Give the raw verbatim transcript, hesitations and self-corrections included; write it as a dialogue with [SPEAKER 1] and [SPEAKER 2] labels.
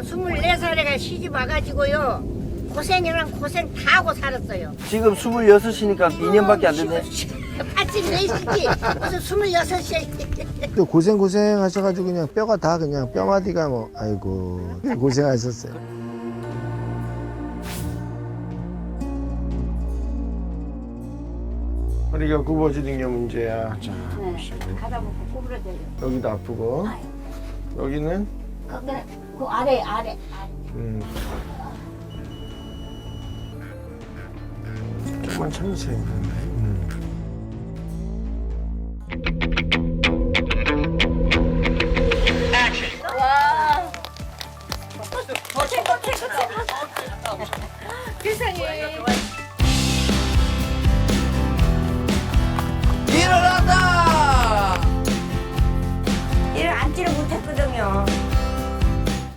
[SPEAKER 1] 스물네 살에 시집 와가지고요. 고생이랑 고생 다 하고 살았어요.
[SPEAKER 2] 지금 스물여섯이니까 이 년밖에 안 됐네.
[SPEAKER 1] 팔십네시지 무슨 스물여섯이.
[SPEAKER 3] 또 고생 고생 하셔가지고 그냥 뼈가 다 그냥 뼈마디가 뭐 아이고 고생하셨어요. 허리가 굽어지는 게 문제야. 자,
[SPEAKER 1] 네, 가다 보고 구부러져요.
[SPEAKER 3] 여기도 아프고 여기는
[SPEAKER 1] 그, 그래, 그 아래 아래 아래.
[SPEAKER 3] 음. 조금만 참으세요.